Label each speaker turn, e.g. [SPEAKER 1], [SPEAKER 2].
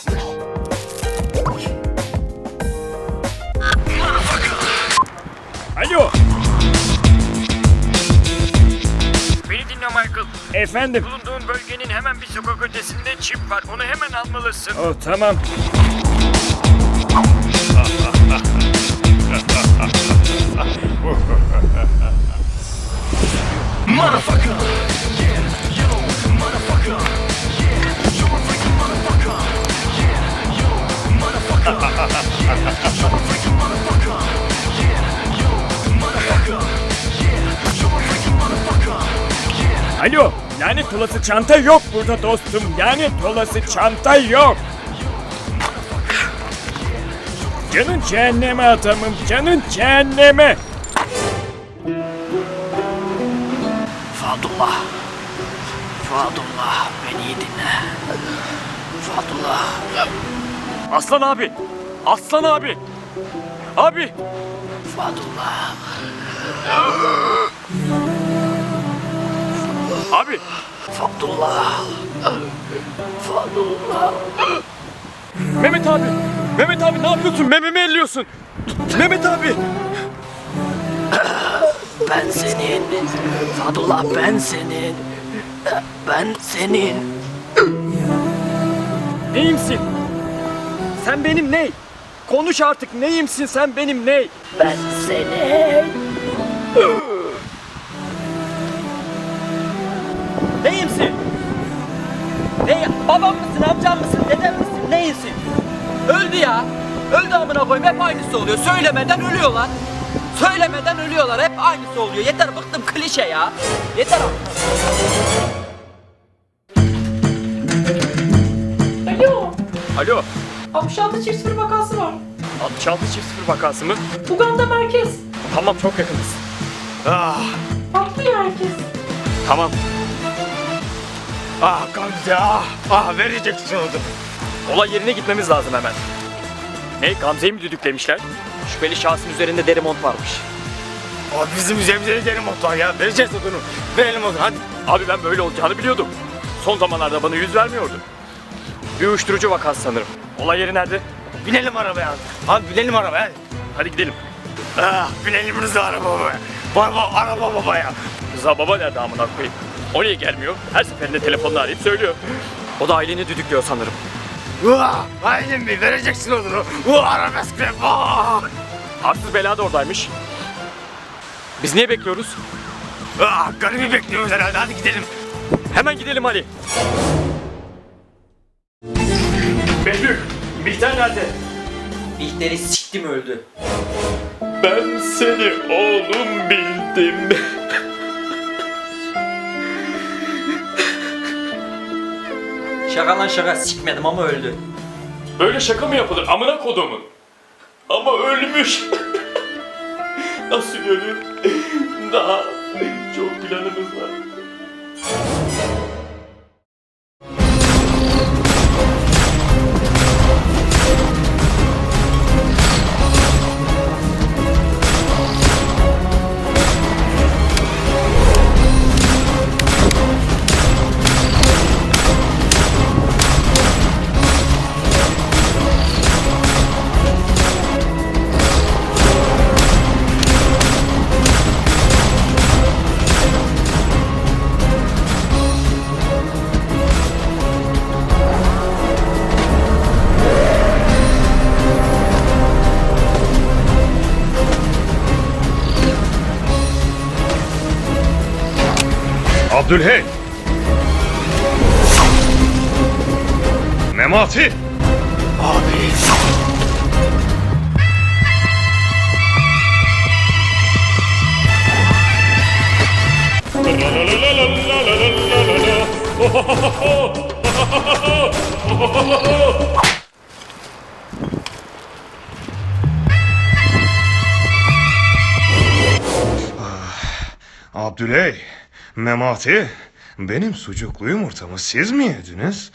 [SPEAKER 1] Alo. Beni dinle Michael. Efendim? Bulunduğun bölgenin hemen bir sokak ötesinde çip var. Onu hemen almalısın. Oh, tamam.
[SPEAKER 2] Motherfucker. Yeah, yo, motherfucker. Yeah, you're a freaking motherfucker. Yeah, yo, motherfucker. Yeah, you're a freaking motherfucker. Yeah, yo, motherfucker. Yeah, you're a freaking motherfucker. Yeah.
[SPEAKER 1] Alo. Lanet olası çanta yok burada dostum. Lanet olası çanta yok. Canın cehenneme adamım. Canın cehenneme.
[SPEAKER 3] Fadullah. Fadullah beni iyi dinle. Fadullah.
[SPEAKER 1] Aslan abi. Aslan abi. Abi.
[SPEAKER 3] Fadullah.
[SPEAKER 1] Abi.
[SPEAKER 3] Fadullah. Fadullah.
[SPEAKER 1] Mehmet abi. Mehmet abi ne yapıyorsun? Mememi elliyorsun. Mehmet abi.
[SPEAKER 3] Ben senin. Fadullah ben senin. Ben senin.
[SPEAKER 1] Neyimsin? Sen benim ney? Konuş artık neyimsin sen benim ney?
[SPEAKER 3] Ben senin.
[SPEAKER 4] Neyimsin? Ney? Babam mısın, amcam mısın, dedem misin, neyimsin? Öldü ya. Öldü amına koyayım, hep aynısı oluyor. Söylemeden ölüyorlar. Söylemeden ölüyorlar, hep aynısı oluyor. Yeter, bıktım klişe ya. Yeter artık.
[SPEAKER 5] Alo,
[SPEAKER 1] Alo.
[SPEAKER 5] 66 çift sıfır vakası var.
[SPEAKER 1] 66 çift sıfır vakası mı?
[SPEAKER 5] Uganda merkez.
[SPEAKER 1] Tamam çok yakınız. Ah,
[SPEAKER 5] Patlıyor herkes.
[SPEAKER 1] tamam.
[SPEAKER 6] Ah Gamze vereceksin onu.
[SPEAKER 1] Olay yerine gitmemiz lazım hemen. Ne Gamze'yi mi düdüklemişler? Şüpheli şahsın üzerinde deri mont varmış.
[SPEAKER 6] Abi bizim üzerimize gidelim motor ya. Vereceğiz odunu. Verelim odunu hadi.
[SPEAKER 1] Abi ben böyle olacağını biliyordum. Son zamanlarda bana yüz vermiyordu. Bir uyuşturucu vakası sanırım. Olay yeri nerede?
[SPEAKER 6] Binelim arabaya abi. Abi binelim arabaya hadi.
[SPEAKER 1] Hadi gidelim.
[SPEAKER 6] Binelim Rıza arabaya. Araba baba ya.
[SPEAKER 1] Rıza baba nerede amına koyayım? Oraya gelmiyor. Her seferinde telefonla arayıp söylüyor. O da aileni düdüklüyor sanırım.
[SPEAKER 6] Aydın Bey vereceksin odunu. Arabesk be.
[SPEAKER 1] Arsız bela da oradaymış. Biz niye bekliyoruz?
[SPEAKER 6] Garibi bekliyoruz herhalde hadi gidelim.
[SPEAKER 1] Hemen gidelim Ali. Behlül, Bihter nerede?
[SPEAKER 4] Bihter'i siktim öldü.
[SPEAKER 1] Ben seni oğlum bildim.
[SPEAKER 4] Şaka lan şaka, sikmedim ama öldü.
[SPEAKER 1] Böyle şaka mı yapılır amına kodumun? Ama ölmüş. Nasıl ölür? Daha çok planımız var.
[SPEAKER 6] Abdülhey. Memati. Abi. Abdüley, Memati, benim sucuklu yumurtamı siz mi yediniz?